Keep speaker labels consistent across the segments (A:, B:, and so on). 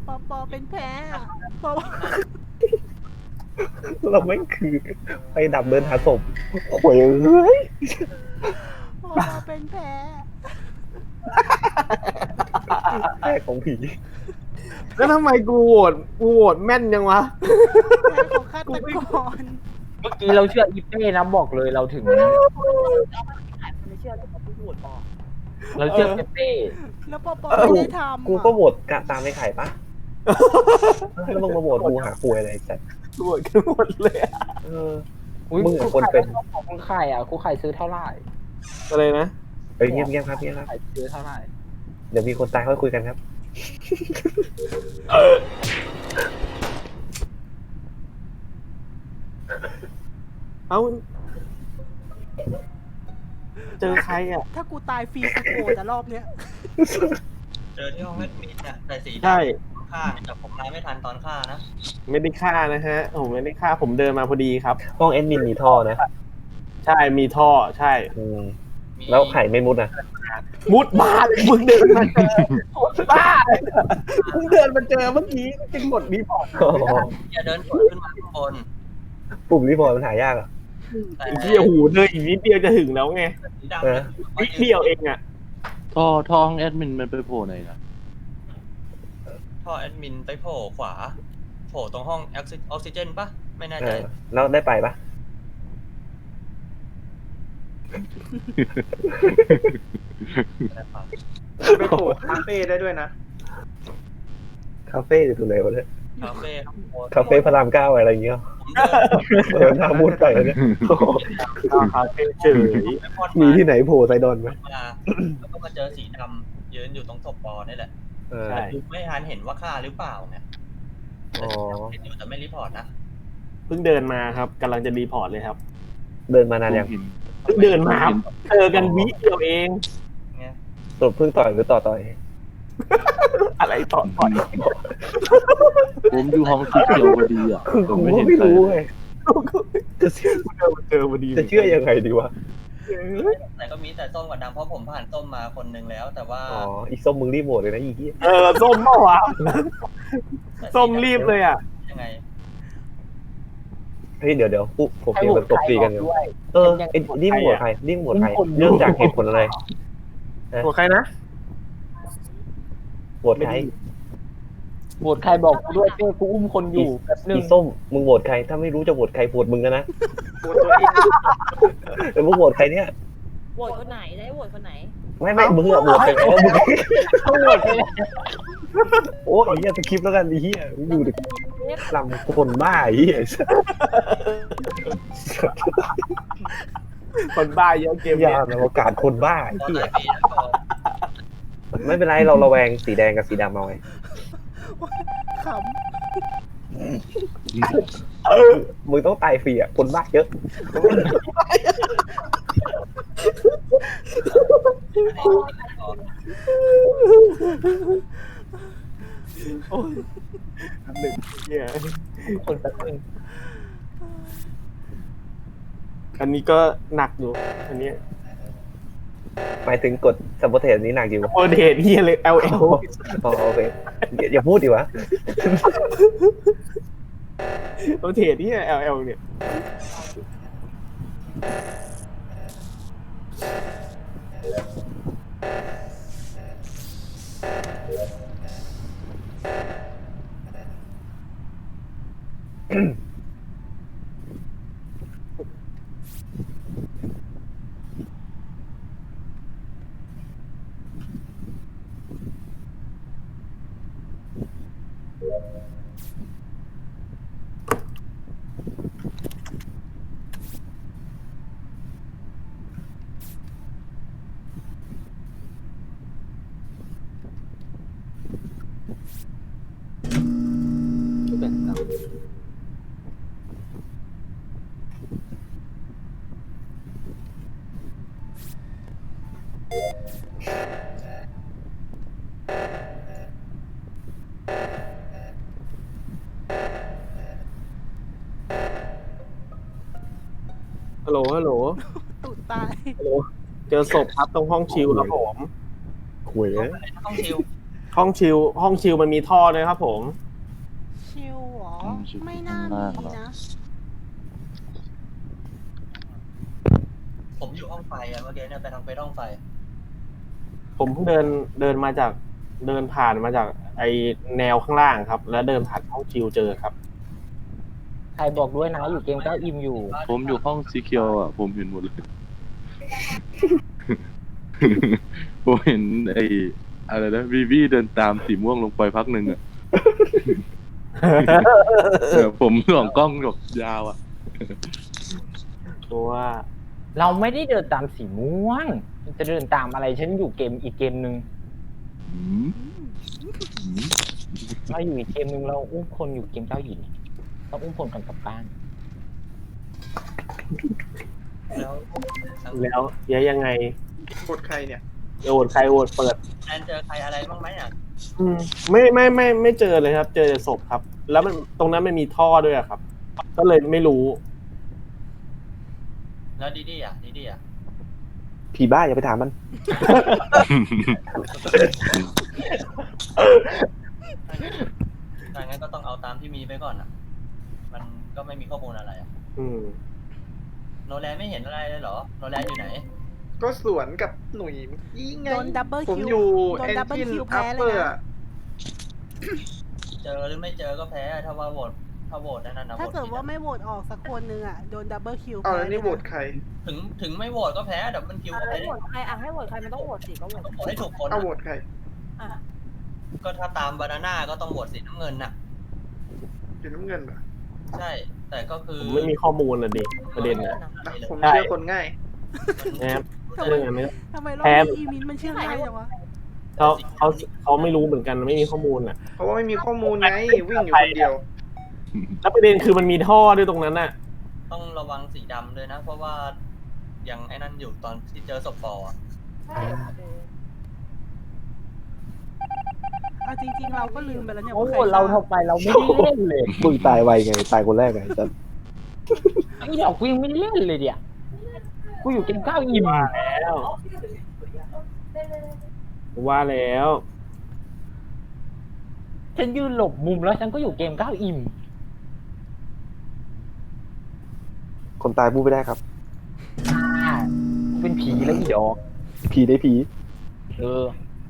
A: ปอเป็นแพ้อะปอ
B: เราไม่คือไปดับเดินหาศพโวยเอ้ย
A: ปอเป็นแพ้
B: แพ้ของผี
C: แล้วทำไมกูโหวตแม่นยังวะ
A: แพ้ของฆาตกร
D: เมื่อกี้เราเชื่ออีเป้นะบอกเลยเราถึง
E: ไม่เชื่อเลยเขาพูดบอก
D: เราเชื่อเป้
A: แล้วปอไม่ได้ทำ
B: กูก็โหวตกะตามไม่ไข่ปะแล้วมึงมาโหวตกูหาป่วยอะไรจัด
C: โหวตกันหมดเลยอะ
B: เออ
D: อุ๊ย
B: มึงกับคนเป็น
D: ของคุณไข่อ่ะคุณไข่ซื้อเท่าไหร่
C: อะไรนะ
B: เอ้ยเงียบๆครับเงียบครับ
D: ไข่ซื้อเท่าไหร่
B: เดี๋ยวมีคนตายค่อยคุยกันครับ
C: เอ้าเจอใครอ่ะ
A: ถ้ากูตายฟรีกูโกรธแต่รอบเนี้ย
F: เจอที่ห้องแอดมินเนี่ยใส่สีด
C: ใช่
F: ำฆ่าแต่ผมมาไม่ทันตอนฆ่านะ
C: ไม่ได้ฆ่านะฮะผมไม่ได้ฆ่าผมเดินมาพอดีครับ
B: ห้องแอดมินมีท่อนะ
C: ใช่มีท่อใช่
B: อืมแล้วไข่ไม่มุดนะ
C: มุดบ้าเลยมึงเดินมาเจอบ้าเลยมึงเดินมาเจอเมื่อกี้จึงหมดรีพอร์ต
F: อย่าเดินสวนขึ้นมาข้างบน
B: ปุ่มรีพอร์ตมันหายากอ่ะ
F: แต่
C: ไอ้เหี้ยหูเดินอีกนิดเดียวจะถึงแล้วไง
F: สีดำ
B: เออ
C: นิดเดียวเองอ่ะ
G: ท่อห้องแอดมินมันไปโผล่ไหนนะ
F: ท่อแอดมินไปโผล่ขวาโผล่ตรงห้องออกซิเจนปะไม่แน่
B: เอ
F: ใจ
B: อแล้วได้ไปปะ
H: ไปโผล่คาเฟ่ได้ด้วยนะ
B: คาเฟ่อยู่ตรงไหนวะเนี่ย
F: คาเฟ่ข้างบน
B: คาเฟ่พระรามเก้าอะไรอย่างเงี้ย
F: ผมเดิน
B: เดี๋ยวหน้ามุดไปเลยเนี่ย
C: คาเฟ่เฉย
F: ไปพอด
B: มีที่ไหนโผล่ไซดอนไหม
F: มาแล้วก็มาเจอสีดำยืนอยู่ตรงศพปอนี่แหละ
B: เออ
C: ใช่
F: ไม่ทันเห็นว่าฆ่าหรือเปล่าไง
B: อ๋อ
F: เห็นอยู่แต่ไม่รีพอร์ตนะ
C: เพิ่งเดินมาครับกำลังจะรีพอร์ตเลยครับ
B: เดินมานานยัง
C: เพิ่งเดินมาครับเจอกันวิเดียวเอง
F: ไง
B: สรุปเพิ่งต่อยหรือต่อย
C: อะไรต่อ
G: ผมอยู่ห้องสีเขียวพอดีอ่ะ
B: คือ
G: ผม
B: กู
G: ไม่
B: ก็
G: เห็น
B: ไม่
G: ใคร
B: รู้
G: เลย
B: ไงจะเชื่อ
C: เจอพอดี
B: จะเชื่อยังไงดีวะ
F: แต่ก็มีแต่ส้มกับดำเพราะผมผ่านส้มมาคนนึงแล้ว แต่ว่า
B: อ๋ออีส้มมึงรีบโหวตเลยนะอีเหี้ย
C: ส้มเปล่าวะ
F: แต่
C: ส้มรีบเลยอ่ะ
F: ยังไง
B: เฮ้ยเดี๋ยวปุ๊บผม
D: ให้
B: เตรีย
D: โห
B: ม
D: ว
B: แบ
D: ต
B: บตบ
D: ใคร
B: ตี
D: บ
B: กั
D: อน ก
B: อยู่
D: ด้วย
B: เออไอ้นี่มึงโหวตใครนี่มึงโหวตใครเริ่มจากเหตุผลอะไร
C: หัวใครนะ
B: โหวตใคร
D: โหวตใครบอกกูด้วยเป้กูอุ้มคนอยู่แป๊บนึ
B: อี
D: ง
B: ส้มมึงโหวตใครถ้าไม่รู้จะโหวตใครโหวตมึงกันนะ
H: โหวตตัวเอง
B: เออมึงโหวตใครเนี่ย
E: โหวตคนไหนได้โหวตคนไหน
B: ไม่มึงอะโหวตใครเพราะมึง
D: ต้องโหวตไปเลย
B: โอ้ยไอ้เหี้ยสคริปต์แล้วกันไอ้เหี้ยมึงอยู่ดิลำคนบ้าไอ้เหี้ย
C: คนบ้าเยอะเกม
B: ยา
C: เนี้ย
B: นอวกาศคนบ้าไอ้
F: ตอน
B: เหี้
F: ห
B: ย
F: ลายปีแล้วก็
B: ไม่เป็นไรเราระแวงสีแดงกับสีดำเอาไง
A: ข
B: มึงต้องตายฟรีอ่ะคนบ้าเยอะ
C: โอ้ยหนึ่งเนี่ย
D: คนแป๊บนึง
C: อันนี้ก็หนักอยู่ อันนี้
B: หมายถึงกดสัมปทานนี้หนักอยู่
C: โอเดทเฮียเลย LL
B: อ๋อโอเคอย่าพูดดิวะ
C: โอเดทเฮีย LL เนี่ย ฮัลโหล ฮัลโหล
A: ำตูดตาย
C: ฮัลโหล เจอศพครับตรงห้องชิลครับผม
B: หวย
F: ต้องชิว
C: ห้องชิลมันมีท่อด้วยครับผม
A: ชิวเหรอ
G: ชิว
A: ไม่น่า
G: ข้างล่าง
A: มี
G: เหรอ
A: นะ
F: ผมอยู่ห้องไฟอะเมื่อกี้เนี่ยไปทางไปห้องไฟ
C: ผมเพิ่งเดินมาจากเดินผ่านมาจากไอแนวข้างล่างครับ แล้วเดินผ่านห้องชิลเจอครับ
D: ใครบอกด้วยนะอยู่เกมเก้าอิ่มอยู่
G: ผมอยู่ห้องสีเขียวอ่ะ ผมเห็นหมดเลย ผมเห็นไอ้อะไรนะวีวีเดินตามสีม่วงลงไปพักหนึ่งอ่ะ ผมส่องกล้องแบบยาวอ่ะ
C: ตัวว่า
D: เราไม่ได้เดินตามสีม่วง จะเดินตามอะไรฉันอยู่เกมอีกเกมหนึ่ง
G: อืมอืม
D: เราอยู่อีกเกมหนึ่งเราอุ้มคนอยู่เกมเก้าหินเราอุ้มคนกันกลับบ้าน
F: แล้ว
C: แล้วยังไง
H: กดใครเนี่ย
C: โหวตใครโหวตเปิด
F: แอนเจอใครอะไรบ้างไหมอ่ะ
C: ไม่เจอเลยครับ เจอแต่ศพครับ แล้วมันตรงนั้นมันมีท่อด้วยอะครับ ก็เลยไม่รู้
F: แล้วดีดีอ่ะ
B: ผีบ้าอย่าไปถามมัน
F: ถ้างั้นก็ต้องเอาตามที่มีไปก่อนอ่ะ มันก็ไม่มีข้อมูลอะไรอ่ะ
C: อืม
F: โนแลนไม่เห็นอะไรเลยเหรอ โนแลนอยู่ไหน
H: ก็สวนกับหนุ่ยยี่ไง
A: โดนดับเบิล
H: ผม
A: คิว
H: อยู่
A: โดน
H: เอน
A: ดับเบิล
H: จิน
A: คิว
H: อั
A: แพ้
H: ป
A: เล
H: เปอย ร์
A: นะ
F: เจอหรือไม่เจอก็แพ้ ถ้าว่าโหวตถ้าโหวตนั่นนะ
A: ถ้า
F: โหวต
A: เกิด
F: ผิด
A: ว่า
F: อะ
A: ไม่โหวตออกสักคนนึงอ่ะ โดนดับเบิลคิว
H: เอา
A: แพ้
H: แล้วนี่โหวตใคร
F: ถึงไม่โหวตก็แพ้เดี๋ยวมันคิวก็
E: ให้
F: แพ้
E: โหวตใครให้โหวตใครมันต้องโหวตสิก็โหวต
F: ต้องโหวตให้ถูกคน
H: เอา
F: อะ
H: โหวตใคร
E: อ่ะ
F: ก็ถ้าตามบานาน่าก็ต้องโหวตสีน้ำเงินน่ะ
H: สีน้ำเงินเหรอ
F: ใช่ แต่ก็คือ
C: ผมไม่มีข้อมูลเลยดิประเด็นนะ
H: อ่ะผมเชื่อคนง่าย
C: นะครับเรื่องอะไรไม่
A: ทำไมรอบ
C: แพ้
A: นี้อีมินมันเชื่อง่ายจังวะ
C: เขาไม่รู้เหมือนกันไม่มีข้อมูลอ่ะ
H: เพราะว่าไม่มีข้อมูลไง วิ่งอยู่คนเดียว
C: แล้วประเด็นคือมันมีท่อด้วยตรงนั้นน่ะ
F: ต้องระวังสีดำด้วยนะ เพราะว่ายังไอ้นั่นอยู่ตอนที่เจอศพฟอร์อะ
E: ใช่เออ
A: เอาจริง ๆ เราก็ลืมไปแล้วเนี่ย
D: โอ้
A: ว่า
D: โห
A: ใคร
D: เรา
A: ฆ่า
D: ทำไปเราไม่ได้เล่นเลย
B: มึงตายไวไง ตายคนแรกไงจัน
D: ไอ้ดอกกูยังไม่ได้เล่นเลยเดี๋ยวกูอยู่เกมเก้าอิ่ม
C: แล้วว่าแล้ว
D: ฉันยืนหลบมุมแล้วฉันก็อยู่เกมเก้าอิ่ม
B: คนตายพูดไม่ได้ครับ
D: เป็นผีแล้วอีดอก
B: ผีได้ผี
D: เออ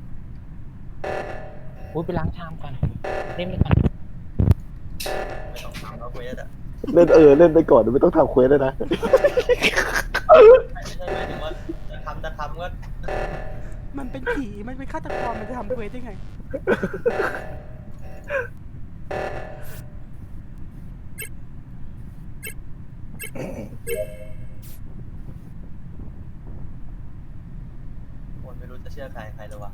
D: พูดไปล้างชามกันเล่นไปก่อน
F: ไม่ต้องทำแล้วเควสอะ
B: เล่นเล่นไปก่อนไม่ต้องทำเควสเลยนะ
F: ไม่ใช่หมายถึงว่าจะทำก็
A: มันเป็นผี มันเป็นฆาตกร มันจะทำเควสได้ไง
F: คนไม่รู้จะเชื่อใครเลยวะ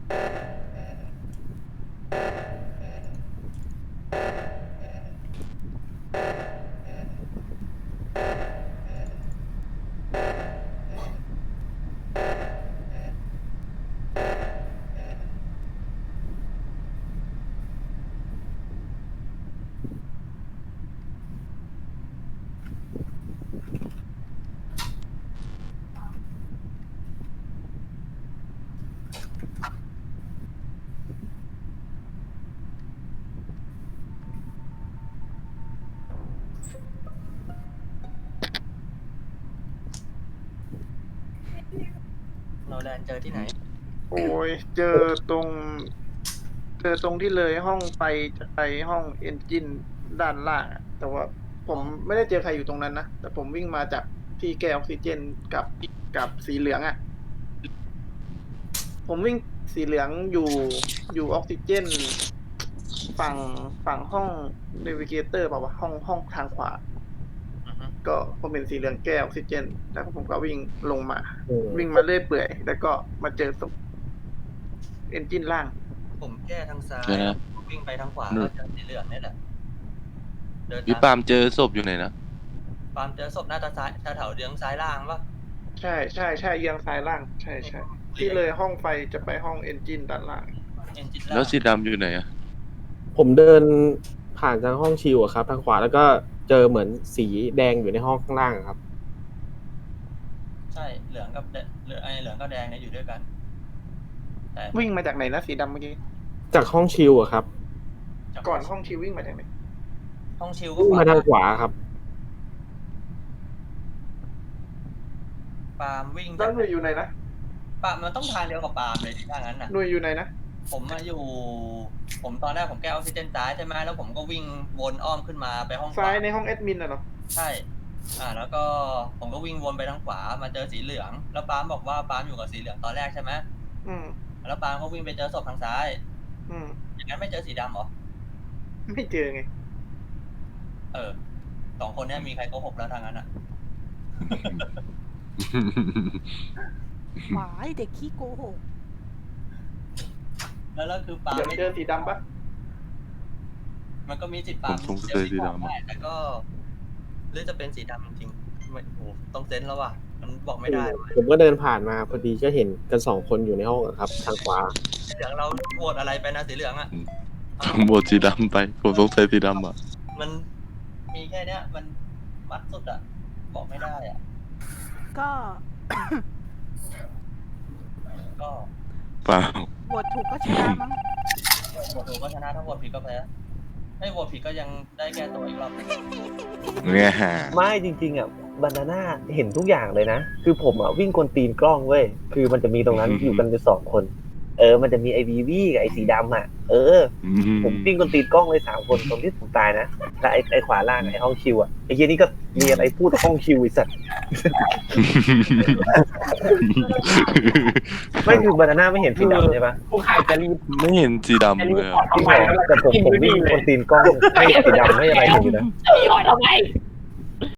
F: โนแลนเจอที่ไหน
H: โอ้ยเจอตรงที่เลยห้องไปจะไปห้องเอนจินด้านล่างอะแต่ว่าผมไม่ได้เจอใครอยู่ตรงนั้นนะแต่ผมวิ่งมาจากที่แก้ออกซิเจนกับสีเหลืองอ่ะ ผมวิ่งสีเหลืองอยู่ออกซิเจนฝั่งห้องเนวิเกเตอร์เปล่าวะห้องทางขวา
F: อือฮึ
H: ก็ผมเป็นสีเหลืองแก้ออกซิเจน แล้วผมก็วิ่งลงมา วิ่งมาเรื่อยเปื่อย แล้วก็มาเจอศพเอนจินล่าง
F: ผมแก้ทางซ้าย
G: เดี๋ยวนะ
F: วิ่งไปทางขวา
G: นู่น
F: ก็เจอสีเหลืองนี่แหละเดิน
G: พี่ปาล์มเจอศพอยู่ไหนนะ
F: ปาล์มเจอศพหน้าตาซ้ายแถวๆเดืองซ้ายล่างปะ
H: ใช่เอียงซ้ายล่าง ใช่ที่เลยห้องไฟจะไปห้องเอนจินด้านล่าง
F: เอนจิน
G: แล้วสีดำอยู่ไหนอะ
C: ผมเดินผ่านทางห้องชิลอะครับ ทางขวาแล้วก็เจอเหมือนสีแดงอยู่ในห้องข้างล่างอะครับ
F: ใช่เหลืองกับเหลืองกับแดงเนี่ยอยู่ด้วยกันแต่
H: วิ่งมาจากไหนนะสีดำเมื่อกี้
C: จากห้องชิลอะครับ
H: ก่อนห้องชิววิ่งมาจากไหน
F: ห้องชิลก็
C: วิ่งมาทางขวาครับ
F: ปาล์มวิ่ง
H: แล้วหน่วยอยู่ไหนนะ
F: ปาล์มมันต้องทางเดียวกับปาล์มเลยถ้างั้นน่ะ
H: หน่วยอยู่ไหนนะ
F: ผมมาอยู่ ผมตอนแรกผมแก้ออกซิเจนซ้ายใช่ไหมแล้วผมก็วิ่งวนอ้อมขึ้นมาไปห้องขว
H: ซ้ายในห้องแอดมินน่ะเหรอ
F: ใช่ แล้วก็ผมก็วิ่งวนไปทางขวามาเจอสีเหลือง แล้วปาล์มบอกว่าปาล์มอยู่กับสีเหลืองตอนแรกใช่ไหม
H: อืม
F: แล้วปาล์มก็วิ่งไปเจอศพทางซ้าย
H: อืม
F: อย่างนั้นไม่เจอสีดำเหรอ
H: ไม่เจอไง
F: สองคนเนี้ยมีใครโกหกแล้วทางนั้นอ่ะ
A: หวายเด็กขี้โกหก
F: แล้วคือปาล์ม
H: เดี๋ยว
F: ไม่
H: เจอสีดำปะ
F: มันก็มีสิทธิ์ปาล์ม
G: ผมสงสัยสีดำ
F: ได้แต่ก็หรือจะเป็นสีดำจริงๆไม่โอ้โหต้องเซนส์แล้วว่ะมันบอกไม่ได้ว่ะ
C: ผมก็เดินผ่านมาพอดีก็เห็นกันสองคนอยู่ในห้องอะครับ ทางขวา
F: สีเหลืองเราโหวตอะไรไปนะสีเหลืองอ่ะ
G: ผมโหวตสีดำไป ผมสงสัยสีดำอะ
F: มันมีแค่เนี้ยมันมัดสุดอ่ะ บอกไม่ได้อ่ะ
A: ก็
F: ก็
G: เปล่า
A: โหวตถูกก็ชนะมั้ง
F: โหวตถูกก็ชนะถ้าโหวตผิดก็แพ้ไม่โหวตผิดก็ยังได้แก้ตัวอีกรอบ
G: เนี่ย
B: ไม่จริงๆอ่ะบานาน่าเห็นทุกอย่างเลยนะ คือผมอ่ะวิ่งกลตีนกล้องเว้ย คือมันจะมีตรงนั้นอยู่กันอยู่สองคน มันจะมีไอวีวีกับไอสีดำอ่ะ ผมวิ่งกลตีนกล้องเลย3 คนตรงที่ผมตายนะแล้วไอขวาล่างไอห้องคิวอ่ะไอเฮียนี่ก็เรียนไอพูดห้องคิวไอสัตว์ ไม่คือบานาน่าไม่เห็นสีดำใช่ปะ
D: ผู้ขายจะรีบ
G: ไม่เห็นสีดำเลยอะ
D: ทำไม
B: แต่ผมวิ่งกลตีนกล้องให้สีดำให้อะไรผมอยู่นะ
D: รีออดทำไม